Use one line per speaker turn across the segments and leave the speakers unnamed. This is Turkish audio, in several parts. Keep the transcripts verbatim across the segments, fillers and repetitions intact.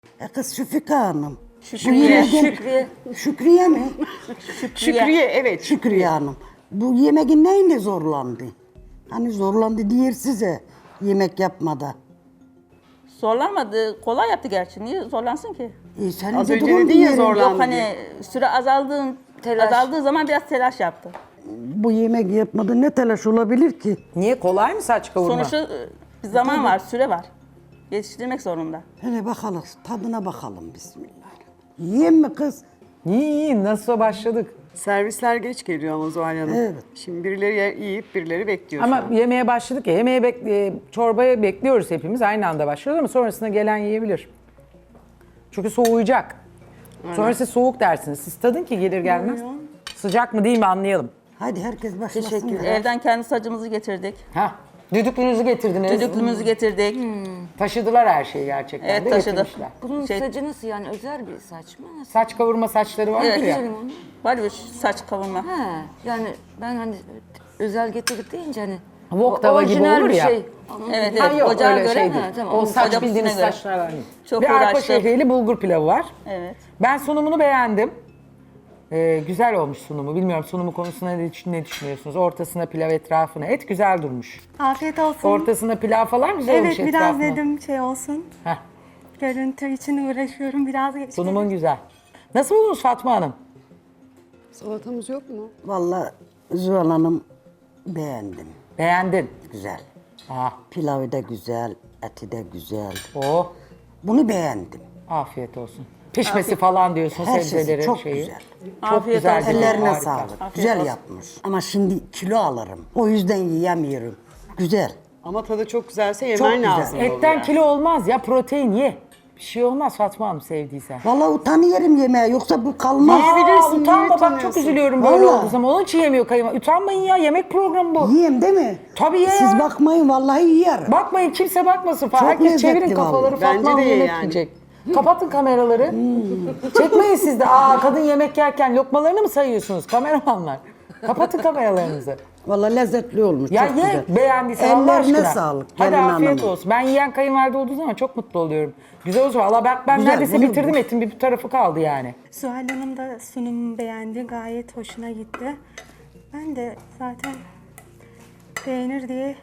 E kız Şüfika Hanım.
Şükriye.
yemeğin-
Şükriye.
Şükriye mi?
Şükriye evet.
Şükriye Hanım. Bu yemeğin neyinde zorlandı? Hani zorlandı diyor size yemek yapmada.
Zorlanmadı. Kolay yaptı gerçi. Niye zorlansın ki?
E sen
Az
de
önce
durun
dedin ya
diyelim.
zorlan-
Yok hani süre azaldığın,
Telaş.
azaldığı zaman biraz telaş yaptı.
Bu yemek yapmada ne telaş olabilir ki?
Niye kolay mı saç kavurma?
Sonuçta e, bir zaman var, süre var. Yetiştirmek zorunda.
Hele bakalım tadına bakalım bismillah. Yiyeyim mi kız?
İyi iyi nasıl başladık.
Servisler geç geliyor ama Zuhal Hanım.
Evet.
Şimdi birileri ye- yiyip birileri bekliyor. şu
Ama
an.
yemeğe başladık ya, yemeğe bek- e, çorbaya bekliyoruz hepimiz. Aynı anda başlıyoruz ama sonrasında gelen yiyebilir. Çünkü soğuyacak. Sonra siz soğuk dersiniz. Siz tadın ki gelir gelmez. Sıcak mı değil mi anlayalım.
Hadi herkes başlasın.
Teşekkür
ya.
Evden kendi sacımızı getirdik.
Ha, düdüklünüzü getirdiniz.
Düdüklümüzü getirdik.
Taşıdılar her şeyi gerçekten
Evet,
de
taşıdı.
getirmişler.
Bunun
Şey-
sacı nasıl yani özel bir saç mı? Nasıl?
Saç kavurma saçları var
Evet.
ya.
Güzelim onu.
Var bir saç kavurma.
He, yani ben hani özel getirdik deyince hani
Wok tava gibi
orijinal
olur
bir
ya.
Şey.
Evet,
Ha,
evet.
yok
Ocağa
öyle
göre.
şey değil.
Ha, tamam.
O
Onun
saç
ocak
bildiğiniz
üstüne göre.
saçlar var. değil.
Çok
Ve arpa
uğraştık.
şehriyeli bulgur pilavı var.
Evet.
Ben sunumunu beğendim. Ee, güzel olmuş sunumu. Bilmiyorum sunumu konusunda ne, düşün- ne düşünüyorsunuz? Ortasına pilav, etrafına et güzel durmuş.
Afiyet olsun.
Ortasına pilav falan güzel
Evet
olmuş
biraz
etrafına.
dedim şey olsun.
Heh,
Görüntü için uğraşıyorum biraz geç.
sunumun güzel. Nasıl buldunuz Fatma Hanım?
Salatamız yok mu?
Vallahi Zuhal Hanım beğendim.
Beğendin.
Güzel.
Ah,
Pilavı da güzel, eti de güzel.
oh,
Bunu beğendim.
afiyet olsun. Pişmesi falan diyorsun
Her
sebzeleri
şeysi çok
şeyi.
güzel.
Çok
Afiyet
güzel.
olsun.
dedin,
Ellerine
harika.
sağlık. Güzel yapmış. Ama şimdi kilo alırım. O yüzden yiyemiyorum. Güzel.
Ama tadı çok güzelse
Çok
yemen
güzel.
lazım.
Etten
oluyor.
kilo olmaz ya protein ye. Bir şey olmaz Fatma Hanım sevdiysen.
Vallahi utanıyorum yemeğe yoksa bu kalmaz.
Aa, utanma bak çok
utanıyorsun?
üzülüyorum böyle
Vallahi.
olduğu zaman. Onun için yemiyor kayınvalide. Utanmayın ya yemek programı bu.
Yiyeyim değil mi?
Tabii ye
Siz
ya.
bakmayın vallahi yiyerim.
Bakmayın kimse bakmasın falan.
Çok
Herkes
lezzetli
çevirin kafaları
vallahi.
Fatma
Bence
Hanım
de ye
yemek
yani.
yiyecek. Kapatın kameraları. Çekmeyin siz de. Aa kadın yemek yerken lokmalarını mı sayıyorsunuz kameramanlar? Kapatın kameralarınızı.
Vallahi lezzetli olmuş.
Ya
çok
ye
güzel.
beğendiysen Allah
Ellerine
aşkına.
sağlık.
Hadi
gelin
afiyet
hanım.
olsun. Ben yiyen kayınvalide olduğu zaman çok mutlu oluyorum. Güzel olsun. Valla ben, ben
Güzel,
neredeyse
bunu-
bitirdim etin bir tarafı kaldı yani.
Zuhal Hanım da sunumu beğendi. Gayet hoşuna gitti. Ben de zaten beğenir diye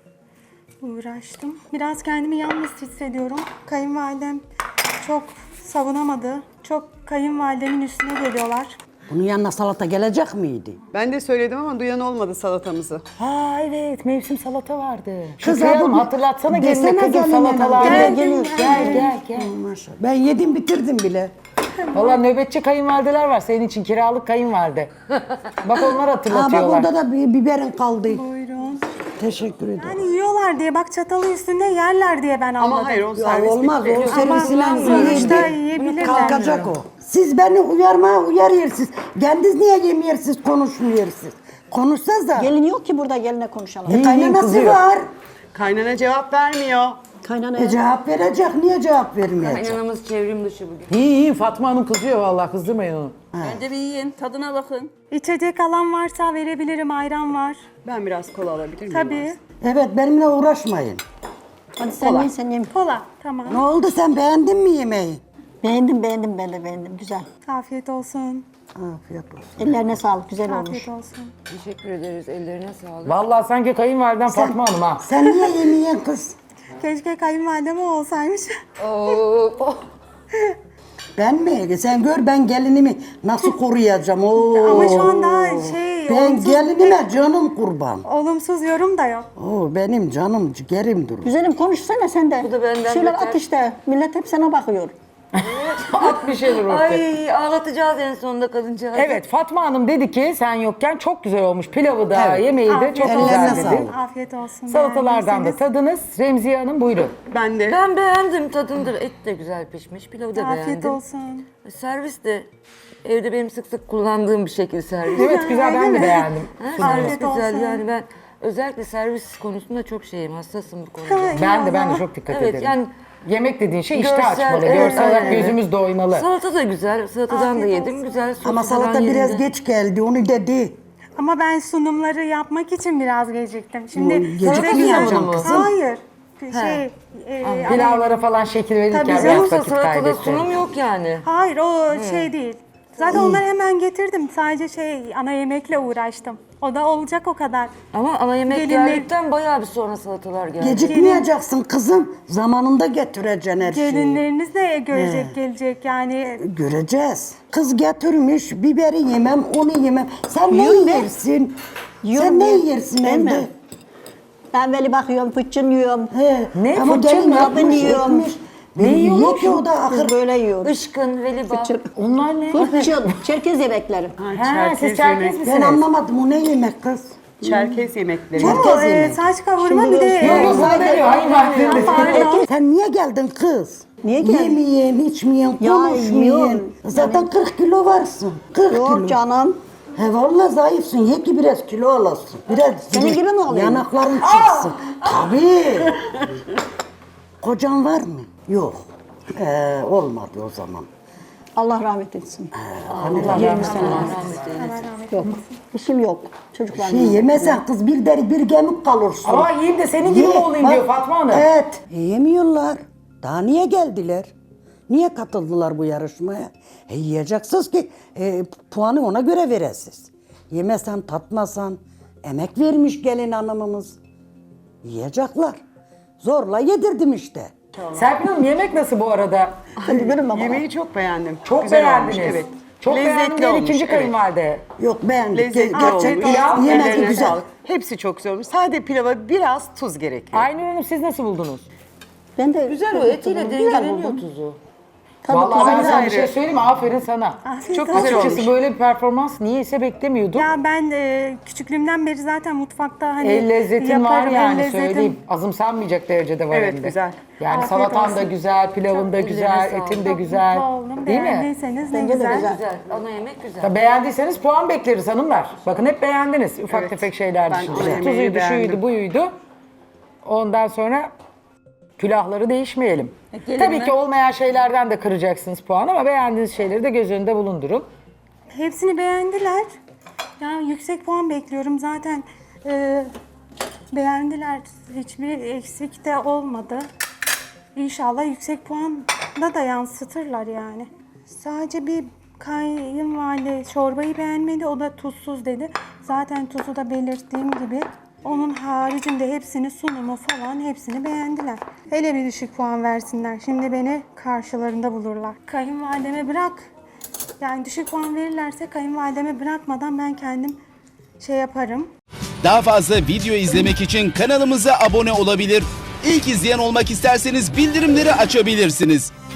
uğraştım. Biraz kendimi yalnız hissediyorum. Kayınvalidem çok savunamadı. Çok kayınvalidemin üstüne geliyorlar.
Bunun yanına salata gelecek miydi?
Ben de söyledim ama duyan olmadı salatamızı.
Ha evet mevsim salata vardı.
Kız
Şükriye
abi
Hanım
bir-
hatırlatsana geline
desene
kızım
geline
salatalar.
hanım.
Gel
Geldim,
gel
geldim.
gel gel.
Maşallah. Ben yedim bitirdim bile.
Valla nöbetçi kayınvalideler var senin için kiralık kayınvalide. Bak onlar
Aa bak
hatırlatıyorlar.
orada da bir biberin kaldı.
Buyurun.
Teşekkür ederim.
Yani yiyorlar diye bak çatalı üstünde yerler diye ben anladım.
Ama hayır o
Ya
servis
olmaz
bitti.
o servisiyle
Ama sonuçta
yiyebilir.
yiyebilirler.
Kalkacak o. Siz beni uyarmaya uyarıyorsunuz. Kendiniz niye yemiyorsunuz, konuşmuyorsunuz? Konuşsanız da.
Gelin yok ki burada geline konuşalım.
E, kaynanası
kızıyor.
var.
Kaynana cevap vermiyor.
Kaynana
E, cevap verecek, niye cevap vermeyecek?
Kaynanamız çevrim dışı bugün.
İyi iyi Fatma Hanım kızıyor vallahi kızdırmayın onu.
Bence bir yiyin, tadına bakın.
İçecek alan varsa verebilirim. Ayran var.
Ben biraz kola alabilir miyim?
Tabii.
Evet, benimle uğraşmayın.
Hadi sen yiyin sen yiyin.
Kola. Tamam.
Ne oldu, sen beğendin mi yemeği?
Beğendim beğendim ben de beğendim. Güzel.
Afiyet olsun.
Afiyet olsun.
Ellerine sağlık. Güzel olmuş.
Afiyet olsun.
Teşekkür ederiz. Ellerine sağlık.
Vallahi sanki kayınvaliden Fatma Hanım ha.
Sen niye yemeyen kız?
Keşke kayınvalidem o olsaymış.
Oo,
Ben mi? Sen gör ben gelinimi nasıl koruyacağım. Oo.
Ama şu an daha şey,
Ben
olumsuz,
gelinime canım kurban.
olumsuz yorum da yok.
Oo, benim canım ciğerim durur.
Güzelim konuşsana sen de.
Bu da benden
Bir şeyler
beter.
at işte. Millet hep sana bakıyor.
At bir şeyler ortaya.
Ay ağlatacağız en sonunda kadıncağızı.
Evet Fatma Hanım dedi ki sen yokken çok güzel olmuş. Pilavı da
Evet.
yemeği de
Afiyet
çok
olsun.
güzel
Ellerine
dedi.
sağlık.
Afiyet olsun.
Salatalardan da
beğendiyseniz.
tadınız. Remziye Hanım buyurun.
Ben de.
Ben beğendim tadındır. Et de güzel pişmiş. Pilavı da
Afiyet
beğendim.
olsun.
Servis de evde benim sık sık kullandığım bir şekil servis.
Evet güzel ben de beğendim.
Ha, servis
Afiyet
güzel
olsun.
yani ben özellikle servis konusunda çok şeyim, hassasım bu konuda.
Ben de ben de çok dikkat
Evet,
ederim.
yani
Yemek dediğin şey işte
görsel,
açmalı.
evet,
Görsel olarak
aynen.
gözümüz doymalı.
Salata da güzel, salatadan da
Afiyet
yedim.
olsun.
Güzel, sosu
Ama
falan
salata biraz
yerinde.
geç geldi, onu dedi.
Ama ben sunumları yapmak için biraz geciktim. Şimdi
O gecikmiyor
size güzel-
canım kızım.
Hayır. şey e, ana-
Pilavlara falan şekil verirken
Tabii
biraz
canım.
Yoksa
vakit
salatada
kaybettim.
sunum yok yani.
Hayır o şey değil. Zaten onları hemen getirdim. Sadece şey ana yemekle uğraştım. O da olacak o kadar.
Ama ana yemek
Gelinlik-
geldikten bayağı bir sonra salatalar geldi.
Gecikmeyeceksin kızım. Zamanında getireceksin her şeyi.
Gelinleriniz de görecek gelecek yani.
Göreceğiz. Kız getirmiş, biberi yemem, onu yemem. Sen ne
Yiyorum ben.
yersin?
Yiyorum
Sen ne
ben.
yersin
Değil mi?
evde?
Ben böyle bakıyorum, fıçın yiyorum.
He.
Ne?
Ama
Fıçın
gelin
mı?
yapmış,
Ben yiyorum.
etmiş. Ne yiyor ki o da
Biz
ahır?
böyle yiyoruz.
Işkın, veliba.
Fıçın.
Onlar ne?
Fıçın, Çerkez yemekleri.
Ha, siz
Çerkez
Çerkez
yemek.
Ben
misiniz?
anlamadım, o ne yemek kız?
Çerkez yemekleri.
Çerkez
Bu e,
yemek.
saç kavurma
Şimdi
bir de
göstereyim.
e,
Yok, o veriyor. Hayır,
Ha, pardon.
Sen niye geldin kız?
Niye geldim?
Yemeyen, içmeyen,
Ya,
konuşmayan.
yiyorum.
Zaten kırk kilo varsın. kırk kilo.
Yok canım.
He vallahi zayıfsın. Ye ki biraz kilo alasın. Biraz
Senin gibi mi olayım?
yanakların çıksın. Tabii. Kocan var mı? Yok. Ee, olmadı o zaman.
Allah rahmet etsin.
yirmi sene.
Yok. İşim yok. Çocuklarım.
Şey yemesen kız bir deri bir gemik kalırsın.
Ama yiyeyim de senin gibi mi
Ye,
olayım
bak,
diyor Fatma Hanım.
Evet. E, yemiyorlar. Daha niye geldiler? Niye katıldılar bu yarışmaya? E, yiyeceksiniz ki e, puanı ona göre veresiz. Yemesen, tatmasan, emek vermiş gelin hanımımız. Yiyecekler. Zorla yedirdim işte.
Serpil Hanım yemek nasıl bu arada?
Hadi görün baba.
Yemeği çok beğendim.
Çok
Güzel
beğendiniz.
olmuş, evet.
Çok beğendim
Lezzetli
diyen
olmuş.
ikinci
evet.
kayınvalide.
Yok beğendik.
Lezzetli
Ge-
olmuş.
Gerçekten
Pilav,
yemek
Ellerine
güzel.
sağlık. Hepsi çok güzel olmuş. Sade pilava biraz tuz gerekiyor.
Aynur Hanım siz nasıl buldunuz?
Ben de
Güzel o etiyle
Güzel
dengeleniyor
buldum.
tuzu.
Tadı
Vallahi
tuzu
ben
güzel.
sana bir şey söyleyeyim mi? Aferin sana.
Afiyet
Çok
olsun.
güzel olmuş.
Açıkçası böyle bir performans niyeyse beklemiyordum.
Ya ben e, küçüklüğümden beri zaten mutfakta hani
El lezzetin var
yaparım, el
yani
lezzetim.
söyleyeyim. Azımsanmayacak derecede var
Evet,
hem de.
güzel.
Yani
Afiyet
salatan da
olsun.
güzel, pilavın da
Çok
güzel,
ellerine
etin
sağlık.
de
Çok
güzel.
mutlu oldum.
Değil mi?
Beğendiyseniz ne
Bence de
güzel.
güzel.
Güzel. Ana yemek güzel.
Ya beğendiyseniz puan bekleriz hanımlar. Bakın hep beğendiniz ufak
Evet.
tefek şeyler
Ben
dışında.
ana yemeği
Tuzuydu,
beğendim.
şuydu, buydu. Ondan sonra külahları değişmeyelim.
gelin
Tabii
mi?
ki olmayan şeylerden de kıracaksınız puan ama beğendiğiniz şeyleri de göz önünde bulundurun.
Hepsini beğendiler. Yani yüksek puan bekliyorum. Zaten e, beğendiler. Hiçbir eksik de olmadı. İnşallah yüksek puanda da yansıtırlar yani. Sadece bir kayınvalide çorbayı beğenmedi. O da tuzsuz dedi. Zaten tuzu da belirttiğim gibi. Onun haricinde hepsini, sunumu falan hepsini beğendiler. Hele bir düşük puan versinler. Şimdi beni karşılarında bulurlar. Kayınvalideme bırak. Yani düşük puan verirlerse kayınvalideme bırakmadan ben kendim şey yaparım.
Daha fazla video izlemek için kanalımıza abone olabilir. İlk izleyen olmak isterseniz bildirimleri açabilirsiniz.